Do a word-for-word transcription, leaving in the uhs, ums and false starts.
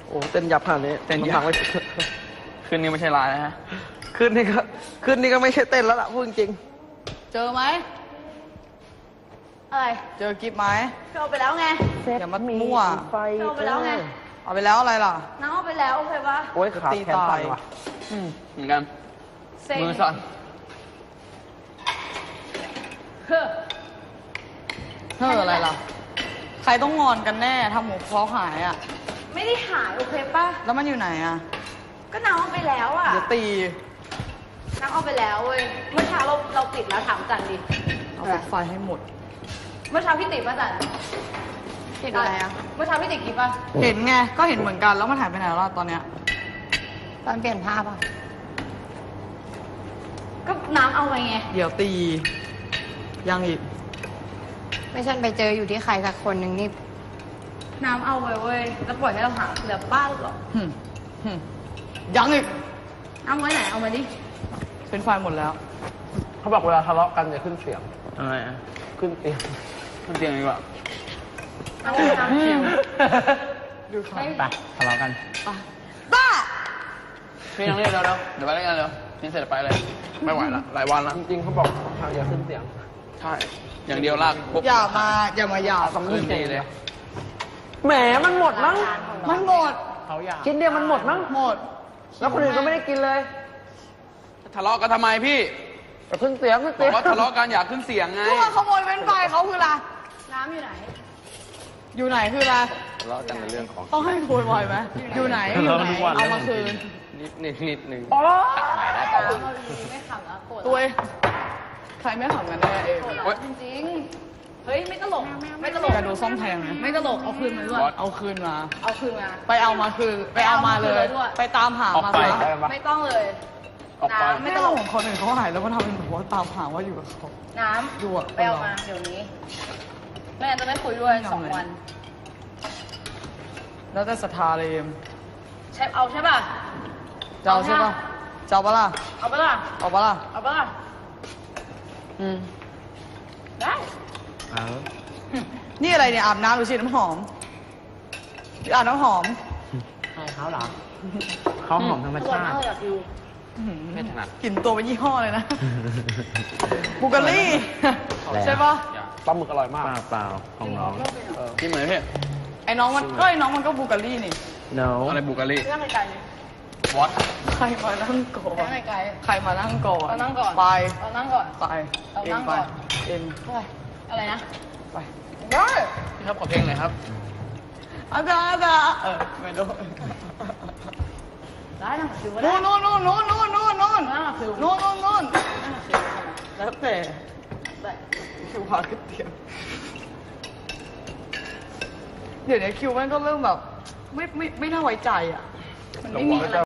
โอ้เต้นยับขนาดนี้เต้นยับไม่ขึ้นนี่ไม่ใช่ลายนะฮะขึ้นนี่ก็ขึ้นนี่ก็ไม่ใช่เต้นแล้วล่ะพูดจริงเจอไหมอะไรเจอกิฟต์ไหมเอาไปแล้วไงอย่ามามั่วเอาไปแล้วไงเอาไปแล้วอะไรล่ะน้ำเอาไปแล้วโอเคปะโอ้ยขาแขนสั่นว่ะอืมเหมือนกันมือสั่นเฮ้อเฮ้ออะไรล่ะใครต้องงอนกันแน่ทำหมูเขาหายอ่ะไม่ได้หายโอเคปะแล้วมันอยู่ไหนอ่ะก็น้ำเอาไปแล้วอ่ะเดี๋ยวตีน้ำเอาไปแล้วเว้ยเมื่อเช้าเราเราติดแล้วถามจันดิเอาปิดไฟให้หมดเมื่อเช้าพี่ติดป่ะจันติดอะไรอ่ะเมื่อเช้าพี่ติดกี่ป่ะเห็นไงก็เห็นเหมือนกันแล้วมันหายไปไหนแล้วตอนเนี้ยตอนเปลี่ยนภาพอ่ะก็น้ำเอาไปไงเดี๋ยวตียังอีกไม่ฉันไปเจออยู่ที่ใครสักคนหนึ่งนี่น้ำเอาไว้เว้ยแล้วปล่อยให้เราหาเหลือบ้านหรอยังอีกเอาไว้ไหนเอามาดิเป็นไฟหมดแล้วเขาบอกเวลาทะเลาะกันอย่าขึ้นเสียงอะไรอ่ะขึ้นเตียงขึ้นเตียงดีกว่าเอาไปน้ำคิวดูค่ะไปทะเลาะกันบ้าพี่ยังเรียกแล้วแล้วเดี๋ยวไปเล่นกันเร็วนี่เสร็จไปเลยไม่ไหวละหลายวันละจริงๆเขาบอกอย่าขึ้นเสียงใช่อย่างเดียวลากอย่ามาอย่ามาอย่าสำนึกดีเลยแหมมันหมดมั้งมันหมดเขาอยากกินเดียวมันหมดมั้งหมดแล้วคนอื่นก็ไม่ได้กินเลยทะเลาะกันทำไมพี่ขึ้นเสียงขึ้นเสียงบอกว่าทะเลาะกันอยากขึ้นเสียงไงก็มาขโมยเป็นไฟเขาคืออะไรน้ำอยู่ไหนอยู่ไหนคืออะไรทะเลาะกันในเรื่องของต้องให้คุยบ่อยไหมอยู่ไหนอยู่ไหนเอามาคืนนิดนิดนิดนึงอ๋อไม่ขำแล้วโกรธตัวใครไม่ขำกันแน่เองจริงๆเฮ้ยไม่ตลกไม่ตลกจะดูซ่อมแทงไหมไม่ตลกเอาคืนมาด้วยเอาคืนมาเอาคืนมาไปเอามาคืนไปเอามาเลยไปตามหามาซะไม่ต้องเลยน้ำไม่ต้องของคนอื่นเขาหายแล้วก็ทำเป็นแบบว่าตามหาว่าอยู่กับเขาน้ำดูไปเอามาเดี๋ยวนี้แม่จะไม่คุยด้วยสองวันแล้วแต่ศรัทธาเลยเอ็มใช่เอาใช่ป่ะจะเอาใช่ป่ะจะเอาปะล่ะเอาปะล่ะเอาปะล่ะเอาปะล่ะอืมได้เอานี่อะไรเนี่ยอาบน้ำหรือฉีดน้ำหอมอาบน้ำหอมใช่เขาเหรอเขาหอมธรรมชาติไม่ถนัดกลิ่นตัวเป็นยี่ห้อเลยนะบูการีใช่ป่ะปลาหมึกอร่อยมากเปล่าของน้องกินเหมือนพี่ไอ้น้องมันก็ไอ้น้องมันก็บูการีนี่ no อะไรบูการีนั่งไกลวอตใครมานั่งก่อนนั่งไกลใครมานั่งก่อนเรานั่งก่อนไปเรานั่งก่อนไปเรานั่งก่อนเอ็มอะไรนะไปได้ครับขอเพลงเลยครับอาจารย์อาจารย์เออไม่รู้ได้นะคิวนู่นนู่นนู่นนู่นนู่นนู่นนู่นนั่งคิวนู่นนู่นนู่นแล้วแต่คิวพาขึ้นเตียงเดี๋ยวนี้คิวมันก็เริ่มแบบไม่ไม่ไม่น่าไว้ใจอ่ะมันไม่มีอะไร